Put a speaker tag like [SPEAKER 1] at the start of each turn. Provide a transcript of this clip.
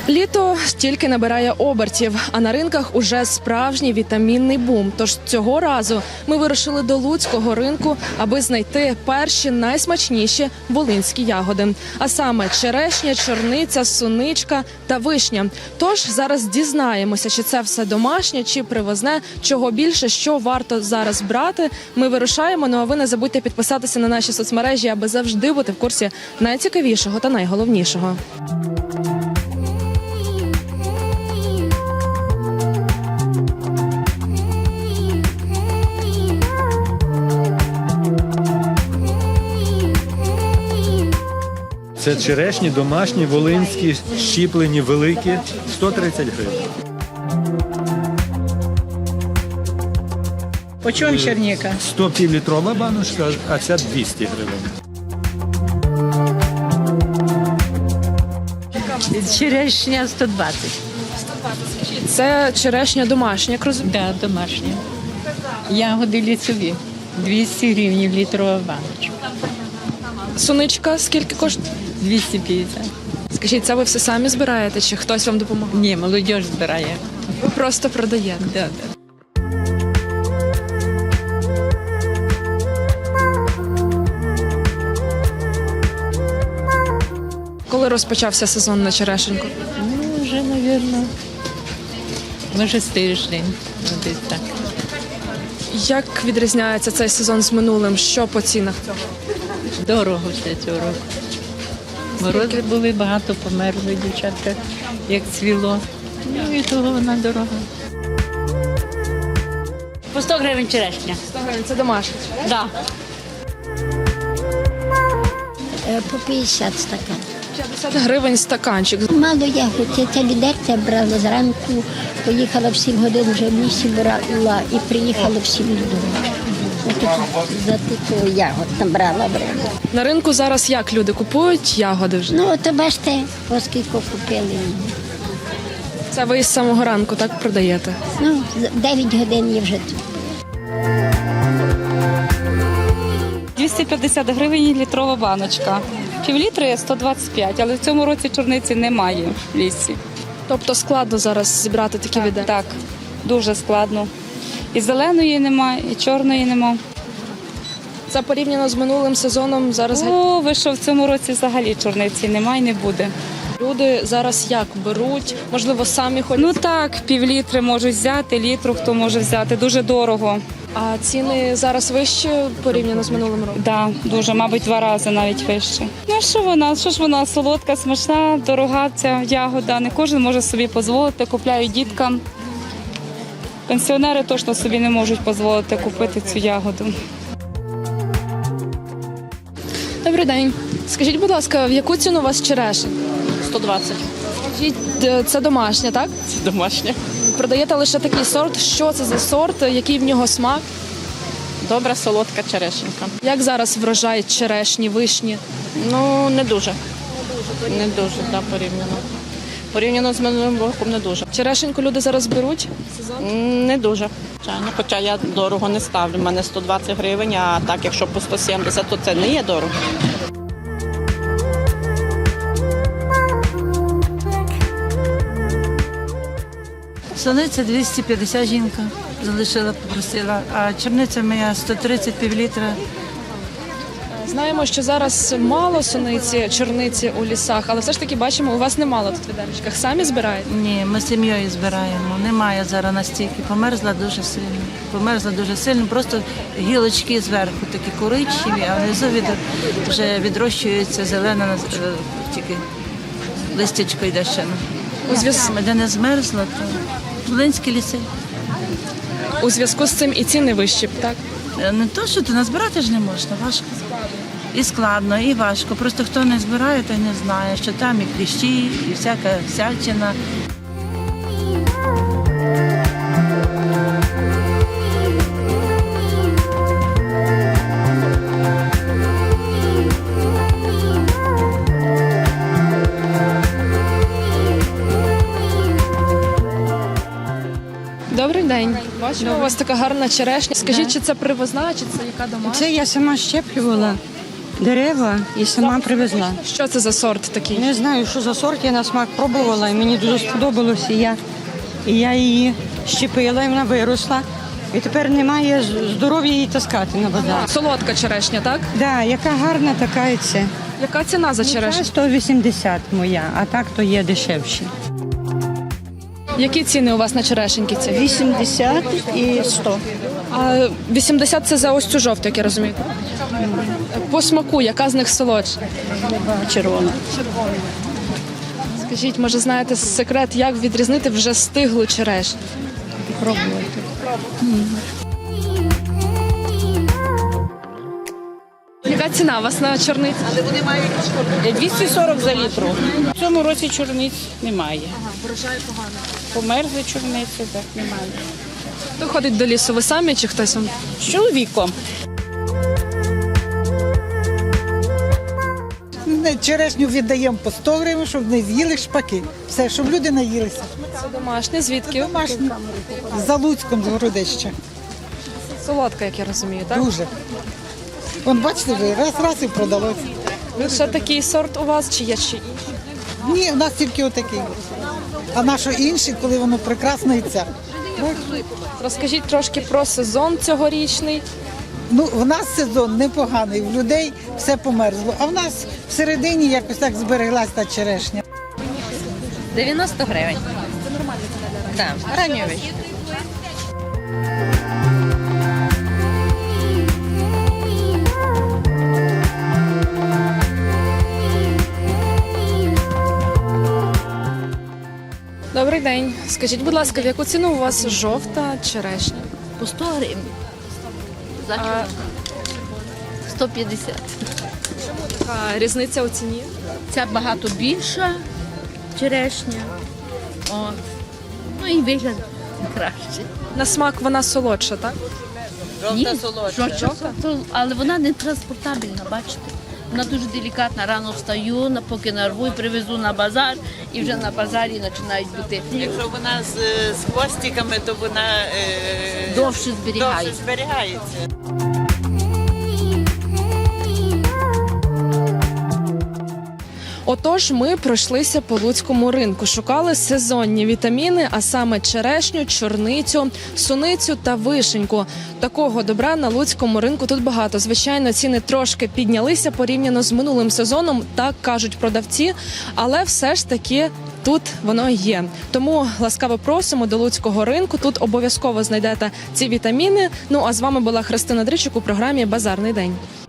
[SPEAKER 1] Літо тільки набирає обертів, а на ринках уже справжній вітамінний бум. Тож цього разу ми вирушили до Луцького ринку, аби знайти перші найсмачніші волинські ягоди. А саме черешня, чорниця, суничка та вишня. Тож зараз дізнаємося, чи це все домашнє, чи привозне, чого більше, що варто зараз брати. Ми вирушаємо, ну а ви не забудьте підписатися на наші соцмережі, аби завжди бути в курсі найцікавішого та найголовнішого.
[SPEAKER 2] Це черешні домашні, волинські, щіплені, великі, 130 гривень.
[SPEAKER 3] По чому черніка?
[SPEAKER 2] 100 півлітрова баночка, а ця 200 гривень.
[SPEAKER 3] Черешня 120.
[SPEAKER 1] Це черешня домашня, як розумію.
[SPEAKER 3] Да, домашня. Ягоди лісові. 200 гривень літрова баночка.
[SPEAKER 1] Суничка скільки коштує?
[SPEAKER 3] 250.
[SPEAKER 1] Скажіть, це ви все самі збираєте, чи хтось вам допомагає?
[SPEAKER 3] Ні, молодь збирає.
[SPEAKER 1] Ви просто продаєте.
[SPEAKER 3] Да, да.
[SPEAKER 1] Коли розпочався сезон на черешеньку?
[SPEAKER 3] Ну, вже, мабуть, може з тиждень. Ну, десь так.
[SPEAKER 1] Як відрізняється цей сезон з минулим? Що по цінах цього?
[SPEAKER 3] Дорого все цього року. Морози були, багато померли дівчатка, як цвіло. Ну і того вона дорога.
[SPEAKER 4] По 100 гривень черешня.
[SPEAKER 1] 100 гривень, це домашня.
[SPEAKER 4] Да.
[SPEAKER 5] По 50 стакан.
[SPEAKER 1] 50 гривень стаканчик.
[SPEAKER 5] Мало ягод. Я ця лідерця брала зранку, поїхала в 7 годин, вже в лісі брала і приїхала в 7 додому. За таку ягод там брала.
[SPEAKER 1] На ринку зараз як люди купують ягоди вже?
[SPEAKER 5] Ну, то бачите, оскільки купили.
[SPEAKER 1] Це ви з самого ранку так продаєте?
[SPEAKER 5] Ну, 9 годин є вже тут.
[SPEAKER 6] 250 гривень літрова баночка. Півлітри 125, але в цьому році чорниці немає в лісі.
[SPEAKER 1] Тобто складно зараз зібрати такі віда?
[SPEAKER 6] Так, дуже складно. І зеленої немає, і чорної немає.
[SPEAKER 1] Це порівняно з минулим сезоном зараз
[SPEAKER 6] О, ви що, в цьому році взагалі чорниці немає і не буде.
[SPEAKER 1] люди зараз як беруть? Можливо, самі ходять?
[SPEAKER 6] Ну так, півлітри можуть взяти, літру хто може взяти, дуже дорого.
[SPEAKER 1] А ціни зараз вищі порівняно з минулим роком?
[SPEAKER 6] Да, дуже, мабуть, 2 рази навіть вище. Ну що ж вона солодка, смачна, дорога ця ягода. Не кожен може собі дозволити, купляють діткам. Пенсіонери точно собі не можуть дозволити купити цю ягоду.
[SPEAKER 1] Добрий день. Скажіть, будь ласка, в яку ціну у вас черешень?
[SPEAKER 4] 120.
[SPEAKER 1] Скажіть, це домашня, так?
[SPEAKER 4] Це домашня.
[SPEAKER 1] Продаєте лише такий сорт. Що це за сорт? Який в нього смак?
[SPEAKER 4] Добра солодка черешенька.
[SPEAKER 1] Як зараз врожай черешні, вишні?
[SPEAKER 4] Ну, не дуже. Не дуже, да, порівняно. Порівняно з минулим роком не дуже.
[SPEAKER 1] Черешеньку люди зараз беруть?
[SPEAKER 4] Не дуже. Звичайно, хоча я дорого не ставлю. У мене 120 гривень, а так, якщо по 170, то це не є дорого.
[SPEAKER 7] Суниця 250 жінка залишила, попросила, а чорниця моя 130 півлітра.
[SPEAKER 1] Знаємо, що зараз мало суниці, чорниці у лісах, але все ж таки бачимо, у вас немало тут в відеречках. Самі збираєте?
[SPEAKER 7] Ні, ми сім'єю збираємо. Немає зараз настільки. Померзла дуже сильно. Померзла дуже сильно. Просто гілочки зверху такі коричневі, а внизу вже відрощується зелена, тільки листячко йде ще. Де не змерзла, то волинські ліси.
[SPEAKER 1] У зв'язку з цим і ціни вищі, так?
[SPEAKER 7] Не то, що ти назбирати ж не можна, важко. І складно, і важко. Просто хто не збирає, той не знає, що там і кліщі, і всяка всячина.
[SPEAKER 1] Добрий день. Бачимо, у вас така гарна черешня. Скажіть, чи це привозна, чи це яка домашня?
[SPEAKER 8] Це я сама щеплювала дерева і сама привезла.
[SPEAKER 1] Що це за сорт такий?
[SPEAKER 8] Не знаю, що за сорт, я на смак пробувала, і мені дуже сподобалося. І я її щепила, і вона виросла. І тепер немає здоров'я її таскати на базар.
[SPEAKER 1] Солодка черешня, так?
[SPEAKER 8] Да, яка гарна, така і це.
[SPEAKER 1] Яка ціна за черешню?
[SPEAKER 8] 180 моя, а так то є дешевші.
[SPEAKER 1] Які ціни у вас на черешеньки ці?
[SPEAKER 8] 80 і 100.
[SPEAKER 1] А 80 це за ось цю жовту, як я розумію. По смаку, яка з них солодша?
[SPEAKER 8] Червона.
[SPEAKER 1] Скажіть, може, знаєте секрет, як відрізнити вже стиглу черешню?
[SPEAKER 8] Пробуйте.
[SPEAKER 1] Яка ціна у вас на чорниці?
[SPEAKER 9] 240 за літру. В цьому році чорниць немає.
[SPEAKER 1] Врожай поганий.
[SPEAKER 9] Померзли чорниці, так немає.
[SPEAKER 1] Хто ходить до лісу? Ви самі чи хтось вам?
[SPEAKER 9] З чоловіком.
[SPEAKER 10] Черешню віддаємо по 100 гривень, щоб не з'їли шпаки. Все, щоб люди наїлися.
[SPEAKER 1] Це домашнє. Звідки?
[SPEAKER 10] Домашні. За Луцьком, з Городища.
[SPEAKER 1] Солодка, як я розумію, так?
[SPEAKER 10] Дуже. Вон, бачите, вже раз і продалося.
[SPEAKER 1] Ще такий сорт у вас, чи є ще інші?
[SPEAKER 10] Ні, у нас тільки отакий. А наше інші, коли воно прекрасно і це.
[SPEAKER 1] Розкажіть трошки про сезон цьогорічний.
[SPEAKER 10] Ну, в нас сезон непоганий, в людей все померзло. А в нас всередині якось так збереглась та черешня.
[SPEAKER 11] 90 гривень. Це нормально ціна для ранньої? Так, ранньої.
[SPEAKER 1] Добрий день. Скажіть, будь ласка, в яку ціну у вас жовта черешня?
[SPEAKER 11] По 100 гривень. За чорну. 150.
[SPEAKER 1] Така різниця у ціні?
[SPEAKER 11] Ця багато більша черешня. От. Ну і вигляд краще.
[SPEAKER 1] На смак вона солодша, так?
[SPEAKER 11] Жовта солодша. Але вона не транспортабельна, бачите. Вона дуже делікатна. Рано встаю, поки нарву і привезу на базар, і вже на базарі починають бути.
[SPEAKER 7] Якщо вона з хвостиками, то вона
[SPEAKER 11] Довше зберігається.
[SPEAKER 7] зберігається.
[SPEAKER 1] Отож, ми пройшлися по луцькому ринку, шукали сезонні вітаміни, а саме черешню, чорницю, суницю та вишеньку. Такого добра на луцькому ринку тут багато. Звичайно, ціни трошки піднялися порівняно з минулим сезоном, так кажуть продавці, але все ж таки тут воно є. Тому ласкаво просимо до луцького ринку. Тут обов'язково знайдете ці вітаміни. Ну а з вами була Христина Дричук у програмі «Базарний день».